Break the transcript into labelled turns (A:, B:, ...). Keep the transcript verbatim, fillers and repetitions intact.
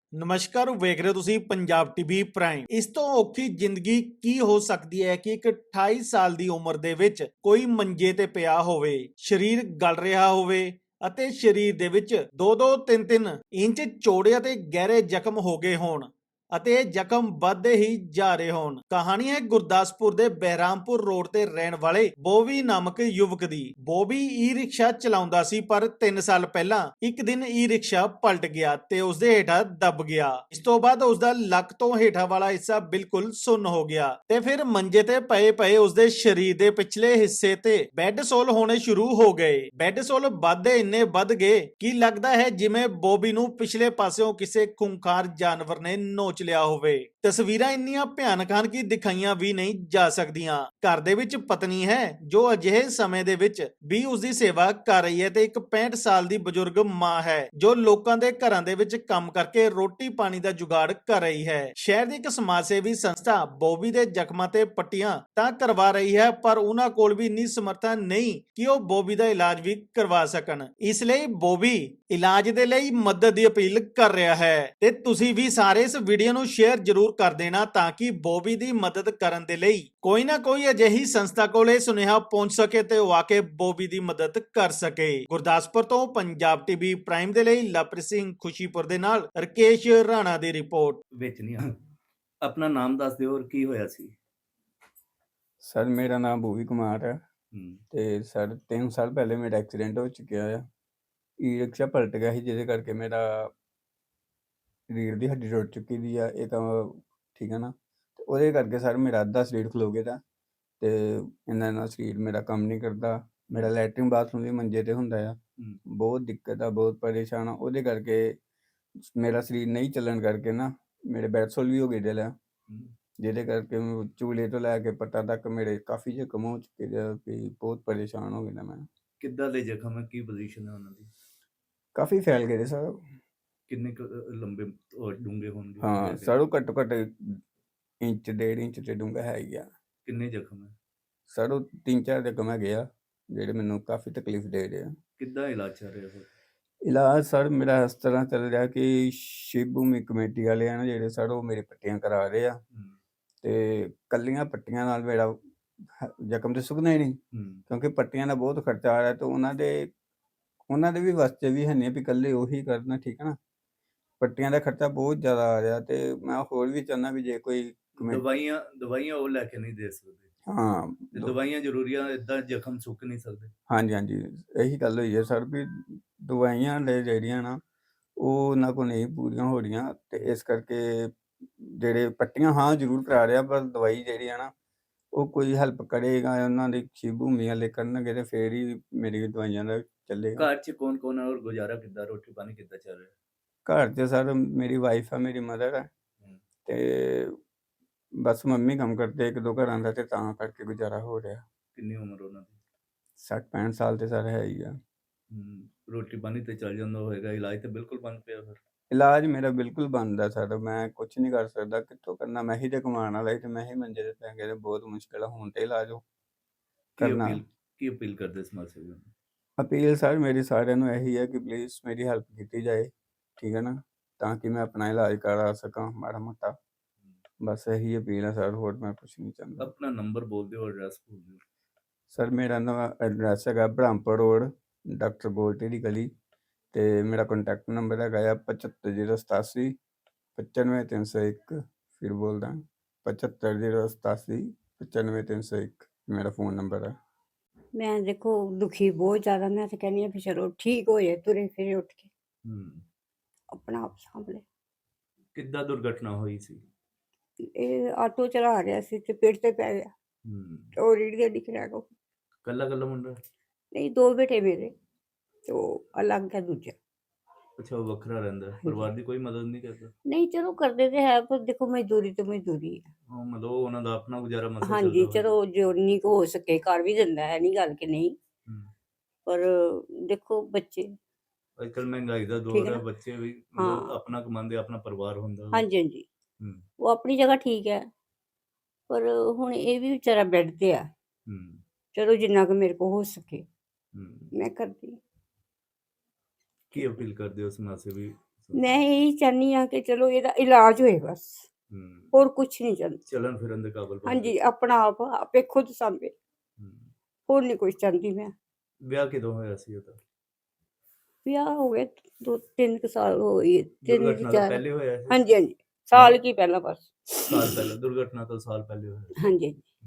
A: ਨਮਸਕਾਰ ਵੇਖ ਰਹੇ ਹੋ ਤੁਸੀਂ ਪੰਜਾਬ ਟੀਵੀ ਪ੍ਰਾਈਮ। ਇਸ ਤੋਂ ਔਖੀ ਜ਼ਿੰਦਗੀ ਕੀ ਹੋ ਸਕਦੀ ਹੈ ਕਿ ਇੱਕ ਅਠਾਈ ਸਾਲ ਦੀ ਉਮਰ ਦੇ ਵਿੱਚ ਕੋਈ ਮੰਜੇ ਤੇ ਪਿਆ ਹੋਵੇ, ਸਰੀਰ ਗਲ ਰਿਹਾ ਹੋਵੇ ਅਤੇ ਸਰੀਰ ਦੇ ਵਿੱਚ ਦੋ ਦੋ ਤਿੰਨ ਤਿੰਨ ਇੰਚ ਚੌੜੇ ਅਤੇ ਗਹਿਰੇ ਜ਼ਖਮ ਹੋ ਗਏ ਹੋਣ ਅਤੇ ਇਹ ਜ਼ਖਮ ਵੱਧਦੇ ਹੀ ਜਾ ਰਹੇ ਹੋਣ। ਕਹਾਣੀ ਹੈ ਗੁਰਦਾਸਪੁਰ ਦੇ ਬਹਿਰਾਮਪੁਰ ਰੋਡ ਤੇ ਰਹਿਣ ਵਾਲੇ ਬੋਬੀ ਨਾਮਕ ਯੁਵਕ ਦੀ। ਬੋਬੀ ਈ ਰਿਕਸ਼ਾ ਚਲਾਉਂਦਾ ਸੀ, ਪਰ ਤਿੰਨ ਸਾਲ ਪਹਿਲਾਂ ਇੱਕ ਦਿਨ ਈ ਰਿਕਸ਼ਾ ਪਲਟ ਗਿਆ ਤੇ ਉਸਦੇ ਹੇਠਾਂ ਦਬ ਗਿਆ। ਇਸ ਤੋਂ ਬਾਅਦ ਉਸਦਾ ਲੱਕ ਤੋਂ ਹੇਠਾਂ ਵਾਲਾ ਹਿੱਸਾ ਬਿਲਕੁਲ ਸੁੰਨ ਹੋ ਗਿਆ ਤੇ ਫਿਰ ਮੰਜੇ ਤੇ ਪਏ ਪਏ ਉਸਦੇ ਸਰੀਰ ਦੇ ਪਿਛਲੇ ਹਿੱਸੇ ਤੇ ਬੈੱਡ ਸੋਲ ਹੋਣੇ ਸ਼ੁਰੂ ਹੋ ਗਏ। ਬੈੱਡ ਸੋਲ ਵੱਧਦੇ ਇੰਨੇ ਵੱਧ ਗਏ ਕਿ ਲੱਗਦਾ ਹੈ ਜਿਵੇਂ ਬੋਬੀ ਨੂੰ ਪਿਛਲੇ ਪਾਸਿਓਂ ਕਿਸੇ ਖੂੰਖਾਰ ਜਾਨਵਰ ਨੇ ਨੋਚ ਲਿਆ ਹੋਵੇ। ਤਸਵੀਰਾਂ ਇੰਨੀਆਂ ਭਿਆਨਕ ਹਨ ਕਿ ਦਿਖਾਈਆਂ ਵੀ ਨਹੀਂ ਜਾ ਸਕਦੀਆਂ। ਘਰ ਦੇ ਵਿੱਚ ਪਤਨੀ ਹੈ ਜੋ ਅਜਿਹੇ ਸਮੇਂ ਦੇ ਵਿੱਚ ਵੀ ਉਸ ਦੀ ਸੇਵਾ ਕਰ ਰਹੀ ਹੈ ਤੇ ਇੱਕ ਪੈਂਹਠ ਸਾਲ ਦੀ ਬਜ਼ੁਰਗ ਮਾਂ ਹੈ ਜੋ ਲੋਕਾਂ ਦੇ ਘਰਾਂ ਦੇ ਵਿੱਚ ਕੰਮ ਕਰਕੇ ਰੋਟੀ ਪਾਣੀ ਦਾ ਜੁਗਾੜ ਕਰ ਰਹੀ ਹੈ। ਸ਼ਹਿਰ ਦੀ ਇੱਕ ਸਮਾਜ ਸੇਵੀ ਸੰਸਥਾ ਬੋਬੀ ਦੇ ਜ਼ਖਮਾਂ ਤੇ ਪੱਟੀਆਂ ਤਾਂ ਕਰਵਾ ਰਹੀ ਹੈ, ਪਰ ਉਹਨਾਂ ਕੋਲ ਵੀ ਇੰਨੀ ਸਮਰੱਥਾ ਨਹੀਂ ਕਿ ਉਹ ਬੋਬੀ ਦਾ ਇਲਾਜ ਵੀ ਕਰਵਾ ਸਕਣ। ਇਸ ਲਈ ਬੋਬੀ ਇਲਾਜ ਦੇ ਲਈ ਮਦਦ ਦੀ ਅਪੀਲ ਕਰ ਰਿਹਾ ਹੈ ਤੇ ਤੁਸੀਂ ਵੀ ਸਾਰੇ ਇਸ ਵੀਡੀਓ ਨੂੰ ਸ਼ੇਅਰ ਜ਼ਰੂਰ ਕਰ ਦੇਣਾ ਤਾਂ ਕਿ ਬੋਬੀ ਦੀ ਮਦਦ ਕਰਨ ਦੇ ਲਈ ਕੋਈ ਨਾ ਕੋਈ ਅਜਿਹੀ ਸੰਸਥਾ ਕੋਲ ਇਹ ਸੁਨੇਹਾ ਪਹੁੰਚ ਸਕੇ ਤੇ ਉਹ ਆ ਕੇ ਬੋਬੀ ਦੀ ਮਦਦ ਕਰ ਸਕੇ। ਗੁਰਦਾਸਪੁਰ ਤੋਂ ਪੰਜਾਬ ਟੀਵੀ ਪ੍ਰਾਈਮ ਦੇ ਲਈ ਲਵਪ੍ਰੀਤ ਸਿੰਘ ਖੁਸ਼ੀਪੁਰ ਦੇ ਨਾਲ ਰਕੇਸ਼ ਰਾਣਾ ਦੀ ਰਿਪੋਰਟ।
B: ਵਿੱਚ ਨਹੀਂ ਆ ਆਪਣਾ ਨਾਮ ਦੱਸ ਦਿਓ ਔਰ ਕੀ ਹੋਇਆ ਸੀ।
C: ਸਰ ਮੇਰਾ ਨਾਮ ਭੂਵੀ ਕੁਮਾਰ ਹੈ
B: ਹੂੰ
C: ਤੇ ਸਰ ਤਿੰਨ ਸਾਲ ਪਹਿਲੇ ਮੇਰਾ ਐਕਸੀਡੈਂਟ ਹੋ ਚੁੱਕਿਆ ਆ। ਈ ਰਿਕਸ਼ਾ ਪਲਟ ਗਿਆ ਸੀ ਜਿਹਦੇ ਕਰਕੇ ਮੇਰਾ ਰੀੜ੍ਹ ਦੀ ਹੱਡੀ ਟੁੱਟ ਚੁੱਕੀ ਦੀ ਆ। ਇਹ ਤਾਂ ਠੀਕ ਹੈ ਨਾ, ਤੇ ਉਹਦੇ ਕਰਕੇ ਸਰ ਮੇਰਾ ਅੱਧਾ ਸਰੀਰ ਖਲੋ ਗਿਆ ਦਾ ਤੇ ਇਹਨਾਂ ਨਾਲ ਸਰੀਰ ਮੇਰਾ ਕੰਮ ਨਹੀਂ ਕਰਦਾ। ਮੇਰਾ ਲੈਟਰਿਨ ਬਾਥਰੂਮ ਵੀ ਮੰਜੇ ਤੇ ਹੁੰਦਾ ਆ।
B: ਹੂੰ
C: ਬਹੁਤ ਦਿੱਕਤ ਆ, ਬਹੁਤ ਪਰੇਸ਼ਾਨ ਆ। ਉਹਦੇ ਕਰਕੇ ਮੇਰਾ ਸਰੀਰ ਨਹੀਂ ਚੱਲਣ ਕਰਕੇ ਨਾ ਮੇਰੇ ਬੈਡਸੋਲ ਵੀ ਹੋ ਗਏ ਦਿਲ ਆ,
B: ਹੂੰ
C: ਜਿਹਦੇ ਕਰਕੇ ਚੂਲੇ ਤੋਂ ਲੈ ਕੇ ਪੱਟਾਂ ਤੱਕ ਮੇਰੇ ਕਾਫੀ ਜ਼ਖਮ ਹੋ ਚੁੱਕੇ ਦੇ ਆ ਕਿ ਬਹੁਤ ਪਰੇਸ਼ਾਨ ਹੋ ਗਿਆ ਮੈਂ।
B: ਕਿੱਦਾਂ ਦੇ ਜ਼ਖਮ ਹੈ, ਕੀ ਪੋਜੀਸ਼ਨ ਹੈ ਉਹਨਾਂ ਦੀ,
C: ਕਾਫੀ ਫੈਲ ਗਏ ਸਰ।
B: ਕਿੰਨੇ ਕੁ, ਅ, ਲੰਬੇ ਔਰ ਡੂੰਘੇ ਹੋਣਗੇ?
C: ਹਾਂ
B: ਵੈਸੇ
C: ਸਰ, ਉਹ ਘੱਟੋ ਘੱਟ ਇੰਚ ਡੇਢ ਇੰਚ ਤੇ ਡੂੰਘਾ ਹੈ ਹੀ ਆ।
B: ਕਿੰਨੇ ਜ਼ਖਮ ਹੈ?
C: ਸਰ ਉਹ ਤਿੰਨ ਚਾਰ ਜ਼ਖਮ ਹੈਗੇ ਆ ਜਿਹੜੇ ਮੈਨੂੰ ਕਾਫੀ ਤਕਲੀਫ ਦੇ ਰਹੇ ਆ।
B: ਕਿੱਦਾਂ ਇਲਾਜ ਚੱਲ ਰਿਹਾ ਹੋਰ?
C: ਇਲਾਜ ਸਰ ਮੇਰਾ ਇਸ ਤਰ੍ਹਾਂ ਚੱਲ ਰਿਹਾ ਕਿ ਸ਼ਿਵ ਭੂਮੀ ਕਮੇਟੀ ਵਾਲੇ ਆ ਨਾ ਜਿਹੜੇ ਸਰ, ਉਹ ਮੇਰੇ ਪੱਟੀਆਂ ਕਰਾ ਰਹੇ ਆ
B: ਹੂੰ
C: ਤੇ ਕੱਲੀਆਂ ਪੱਟੀਆਂ ਨਾਲ ਮੇਰਾ ਹ- ਜ਼ਖਮ ਤੇ ਸੁੱਕਣਾ ਹੀ ਨਹੀਂ,
B: ਹੂੰ
C: ਕਿਉਂਕਿ ਪੱਟੀਆਂ ਦਾ ਬਹੁਤ ਖਰਚਾ ਆ ਰਿਹਾ ਤੇ ਉਹਨਾਂ ਦੇ ਉਹਨਾਂ ਦੇ ਵੀ ਵਾਸਤੇ ਵੀ ਹੈ ਨਹੀਂ ਵੀ ਇਕੱਲੇ ਉਹੀ ਕਰਨਾ, ਠੀਕ ਹੈ ਨਾ। ਪੱਟੀਆਂ ਦਾ ਖਰਚਾ ਬਹੁਤ ਜ਼ਿਆਦਾ ਆ ਰਿਹਾ ਤੇ ਮੈਂ ਹੋਰ ਵੀ ਚਾਹੁੰਦਾ ਵੀ ਜੇ ਕੋਈ ਕਮੇ-
B: ਦਵਾਈਆਂ ਦਵਾਈਆਂ ਉਹ ਲੈ ਕੇ ਨਹੀਂ ਦੇ ਸਕਦੇ
C: ਹਾਂ
B: ਤੇ
C: ਦੋ-
B: ਦਵਾਈਆਂ ਜ਼ਰੂਰੀ ਆ, ਇਦਾਂ ਜ਼ਖਮ ਸੁੱਕ ਨਹੀਂ ਸਕਦੇ।
C: ਹਾਂਜੀ ਹਾਂਜੀ, ਇਹੀ ਗੱਲ ਹੋਈ ਹੈ ਸਰ ਵੀ ਦਵਾਈਆਂ ਲੈ ਜਿਹੜੀਆਂ ਨਾ ਉਹ ਉਹਨਾਂ ਕੋਲ ਨਹੀਂ ਪੂਰੀਆਂ ਹੋ ਰਹੀਆਂ ਤੇ ਇਸ ਕਰਕੇ ਜਿਹੜੇ ਪੱਟੀਆਂ ਹਾਂ ਜ਼ਰੂਰ ਕਰਾ ਰਿਹਾ, ਪਰ ਦਵਾਈ ਜਿਹੜੀ ਆ ਨਾ ਉਹ ਕੋਈ ਹੈਲਪ ਕਰੇਗਾ ਉਹਨਾਂ ਦੀ ਸ਼ਿਵ ਭੂਮੀ ਵਾਲੇ ਕਰਨਗੇ ਤੇ ਫੇਰ ਹੀ ਮੇਰੀ ਦਵਾਈਆਂ ਦਾ ਚੱਲੇਗਾ।
B: ਘਰ 'ਚ ਕੌਣ ਕੌਣ ਹੈ ਔਰ ਗੁਜ਼ਾਰਾ ਕਿੱਦਾਂ, ਰੋਟੀ ਪਾਣੀ ਕਿੱਦਾਂ ਚੱਲ ਰਿਹਾ?
C: ਘਰ 'ਚ ਸਰ ਮੇਰੀ ਵਾਈਫ ਆ, ਮੇਰੀ ਮਦਰ ਹੈ
B: ਹੂੰ
C: ਤੇ ਬਸ ਮੰਮੀ ਕੰਮ ਕਰਦੇ ਇੱਕ ਦੋ ਘਰਾਂ ਦਾ ਤੇ ਤਾਂ ਕਰਕੇ ਗੁਜ਼ਾਰਾ ਹੋ ਰਿਹਾ।
B: ਕਿੰਨੀ ਉਮਰ ਉਹਨਾਂ ਦੀ?
C: ਸੱਠ ਪੈਂਹਠ ਸਾਲ ਤੇ ਸਰ ਹੈ ਹੀ ਆ।
B: ਹੂੰ ਰੋਟੀ ਪਾਣੀ ਤੇ ਚੱਲ ਜਾਂਦਾ ਹੋਏਗਾ, ਇਲਾਜ ਤੇ ਬਿਲਕੁਲ ਬੰਦ ਪਿਆ ਫਿਰ?
C: ਇਲਾਜ ਮੇਰਾ ਬਿਲਕੁਲ ਬੰਦ ਆ ਸਰ, ਮੈਂ ਕੁਛ ਨਹੀਂ ਕਰ ਸਕਦਾ, ਕਿੱਥੋਂ ਕਰਨਾ। ਮੈਂ ਹੀ ਤੇ ਕਮਾਉਣ ਵਾਲਾ ਸੀ ਤੇ ਮੈਂ ਹੀ ਮੰਜੇ ਤੇ ਪੈ ਗਿਆ ਤੇ ਬਹੁਤ ਮੁਸ਼ਕਿਲ ਆ ਹੁਣ ਤੇ ਇਲਾਜ ਉਹ
B: ਕੀ
C: ਕਰਨਾ।
B: ਅਪੀਲ ਕੀ ਅਪੀਲ ਕਰਦੇ ਸਮਾਜ ਸੇਵੀਆਂ ਨੂੰ?
C: ਅਪੀਲ ਸਰ ਮੇਰੀ ਸਾਰਿਆਂ ਨੂੰ ਇਹੀ ਹੈ ਕਿ ਪਲੀਜ਼ ਮੇਰੀ ਹੈਲਪ ਕੀਤੀ ਜਾਏ, ਠੀਕ ਹੈ ਨਾ, ਤਾਂ ਕਿ ਮੈਂ ਆਪਣਾ ਇਲਾਜ ਕਰਾ ਸਕਾਂ ਮਾੜਾ ਮੋਟਾ। ਬਸ ਇਹੀ ਅਪੀਲ ਹੈ ਸਰ, ਹੋਰ ਮੈਂ ਕੁਛ ਨਹੀਂ ਚਾਹੁੰਦਾ।
B: ਆਪਣਾ ਨੰਬਰ ਬੋਲ ਦਿਓ, ਐਡਰੈਸ ਬੋਲ ਦਿਓ।
C: ਸਰ ਮੇਰਾ ਨਵਾਂ ਐਡਰੈਸ ਹੈਗਾ ਬ੍ਰਹਮਪੁਰ ਰੋਡ, ਡਾਕਟਰ ਗੋਲਟੀ ਦੀ ਗਲੀ, ਤੇ ਮੇਰਾ ਕੰਟੈਕਟ ਨੰਬਰ ਹੈਗਾ ਆ ਪਚੱਤਰ ਜ਼ੀਰੋ ਸਤਾਸੀ ਪਚਾਨਵੇਂ ਤਿੰਨ ਸੌ ਇੱਕ। ਫਿਰ ਬੋਲਦਾ ਪਚੱਤਰ ਜ਼ੀਰੋ ਸਤਾਸੀ ਪਚਾਨਵੇਂ ਤਿੰਨ ਸੌ ਇੱਕ ਮੇਰਾ ਫ਼ੋਨ ਨੰਬਰ ਹੈ।
D: ਮੈਂ ਦੇਖੋ ਦੁਖੀ ਬਹੁਤ ਜ਼ਿਆਦਾ। ਮੈਂ ਤਾਂ ਕਹਿੰਦੀ ਹਾਂ ਵੀ ਚਲੋ ਠੀਕ ਹੋ ਜਾਏ, ਤੁਰੇ ਫਿਰੇ ਉੱਠ ਕੇ
B: ਹੂੰ
D: ਆਪਣਾ ਆਪ ਸਾਂਭ ਲੈ।
B: ਕਿੱਦਾਂ ਦੁਰਘਟਨਾ ਹੋਈ ਸੀ?
D: ਇਹ ਆਟੋ ਚਲਾ ਰਿਹਾ ਸੀ ਤੇ ਪੇੜ ਤੇ ਪੈ ਗਿਆ
B: ਹੂੰ
D: ਤੇ ਉਹ ਰੀੜ ਦੇ ਦਿਖ ਰਿਹਾ ਕੋ।
B: ਕੱਲਾ ਕੱਲਾ ਮੁੰਡਾ?
D: ਨਹੀਂ, ਦੋ ਬੇਟੇ ਮੇਰੇ ਤੇ ਉਹ ਅਲੱਗ ਹੈ ਦੂਜਾ।
B: ਅੱਛਾ, ਉਹ ਵੱਖਰਾ ਰਹਿੰਦਾ, ਪਰਿਵਾਰ ਦੀ ਕੋਈ ਮਦਦ ਨਹੀਂ ਕਰਦਾ?
D: ਨਹੀਂ ਚਲੋ ਕਰਦੇ ਤੇ ਹੈ, ਪਰ ਦੇਖੋ ਮਜ਼ਦੂਰੀ ਤੇ ਮਜ਼ਦੂਰੀ ਹੈ।
B: ਉਹ ਮਤਲਬ ਉਹ ਉਹਨਾਂ ਦਾ ਆਪਣਾ ਗੁਜ਼ਾਰਾ ਮਸਾ
D: ਹਾਂਜੀ
B: ਚੱਲਦਾ ਹੋਏਗਾ।
D: ਚਲੋ ਜੋ ਨਹੀਂ ਕੁ ਹੋ ਸਕੇ ਕਰ ਵੀ ਦਿੰਦਾ ਹੈ, ਨਹੀਂ ਗੱਲ ਕਿ ਨਹੀਂ,
B: ਹੂੰ
D: ਪਰ ਦੇਖੋ ਬੱਚੇ।
B: ਅੱਜ ਕੱਲ੍ਹ ਮਹਿੰਗਾਈ ਦਾ
D: ਠੀਕ
B: ਦੌਰ
D: ਹੈ
B: ਹੈ,
D: ਨਾ।
B: ਬੱਚੇ ਵੀ ਮਤਲਬ
D: ਹਾਂ
B: ਆਪਣਾ ਕਮਾਉਂਦੇ, ਆਪਣਾ ਪਰਿਵਾਰ ਹੁੰਦਾ ਵਾ।
D: ਹਾਂਜੀ ਹਾਂਜੀ,
B: ਹੂੰ
D: ਉਹ ਆਪਣੀ ਜਗ੍ਹਾ ਠੀਕ ਹੈ, ਪਰ ਹੁਣ ਇਹ ਵੀ ਵਿਚਾਰਾ ਬੈੱਡ ਤੇ ਆ।
B: ਹੂੰ
D: ਚਲੋ ਜਿੰਨਾ ਕੁ ਮੇਰੇ ਕੋਲ ਹੋ ਸਕੇ
B: ਹੂੰ
D: ਮੈਂ ਕਰਦੀ ਹਾਂ।
B: ਕੀ ਅਪੀਲ ਕਰਦੇ ਹੋ ਸਮਾਜ ਸੇਵੀ
D: ਮੈਂ ਇਹੀ ਚਾਹੁੰਦੀ ਹਾਂ ਕਿ ਚਲੋ ਇਹਦਾ ਇਲਾਜ ਹੋਏ ਬਸ,
B: ਹੂੰ
D: ਹੋਰ ਕੁਛ ਨਹੀਂ ਚਾਹੁੰਦੀ।
B: ਚੱਲਣ ਫਿਰਨ ਦੇ ਕਾਬਲ ਬਣ
D: ਹਾਂਜੀ
B: ਜਾਏ।
D: ਆਪਣਾ ਆਪ ਆਪੇ ਖੁਦ ਸਾਂਭੇ,
B: ਹੂੰ।
D: ਹੋਰ ਨਹੀਂ ਕੁਛ ਚਾਹੁੰਦੀ ਮੈਂ।
B: ਵਿਆਹ ਕਿਦੋਂ ਹੋਇਆ ਸੀ ਉਹਦਾ?
D: ਵਿਆਹ ਹੋ ਗਏ ਦੋ ਤਿੰਨ ਕੁ ਸਾਲ ਹੋ ਗਏ, ਤਿੰਨ
B: ਦੁਰਘਟਨਾ ਤੋਂ
D: ਚਾਰ।
B: ਪਹਿਲੇ ਹੋਇਆ ਸੀ?
D: ਹਾਂਜੀ ਹਾਂਜੀ ਸਾਲ ਕੀ ਪਹਿਲਾਂ ਬਸ।
B: ਸਾਲ ਪਹਿਲਾਂ, ਦੁਰਘਟਨਾ ਤੋਂ ਸਾਲ ਪਹਿਲੇ ਹੋਇਆ ਸੀ।
D: ਹਾਂਜੀ ਹਾਂਜੀ